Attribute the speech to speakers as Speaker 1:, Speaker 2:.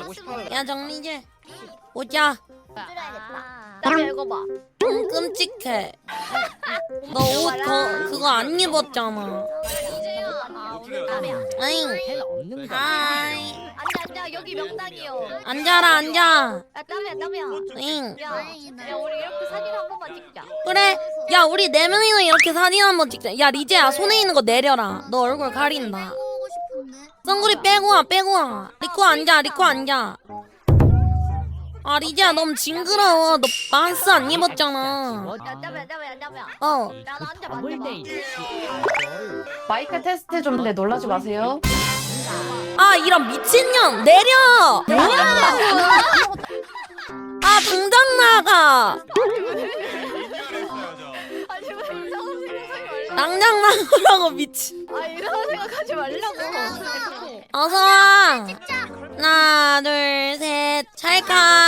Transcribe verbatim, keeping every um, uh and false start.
Speaker 1: 야 정리제 보자.
Speaker 2: 줄여야겠다. 나 읽어봐.
Speaker 1: 좀 끔찍해. 너 옷 그거 안 입었잖아.
Speaker 2: 이제야. 아 오늘 땀이야.
Speaker 1: 아잉.
Speaker 3: 없는 거.
Speaker 1: 하이.
Speaker 2: 앉아 앉아 여기 명당이요.
Speaker 1: 앉아라 앉아.
Speaker 2: 야 땀이야 땀이야.
Speaker 1: 잉.
Speaker 2: 야, 야 우리 이렇게 사진 한 번만 찍자.
Speaker 1: 그래. 야 우리 네 명이서 이렇게 사진 한번 찍자. 야 리제야 손에 있는 거 내려라. 너 얼굴 가린다.
Speaker 4: 빼고 싶은데.
Speaker 1: 선글이 빼고 와 빼고 와. 리코 앉아 리코 앉아. 아 리제야 너무 징그러워. 너 마스 안 입었잖아.
Speaker 2: 야 땀이야 땀이야 땀이야.
Speaker 1: 어.
Speaker 2: 야 나 앉아
Speaker 3: 더블
Speaker 2: 만져봐.
Speaker 3: 데이.
Speaker 5: 마이크 테스트 좀 네, 놀라지 마세요.
Speaker 1: 아 이런 미친년 내려. 뭐야? 아 당장 나가.
Speaker 2: 아니 왜 이상한 생각하지 말라고.
Speaker 1: 당장 나가라고 미친.
Speaker 2: 아 이상한 생각하지 말라고.
Speaker 1: 어서 와. 하나 둘 셋 찰칵.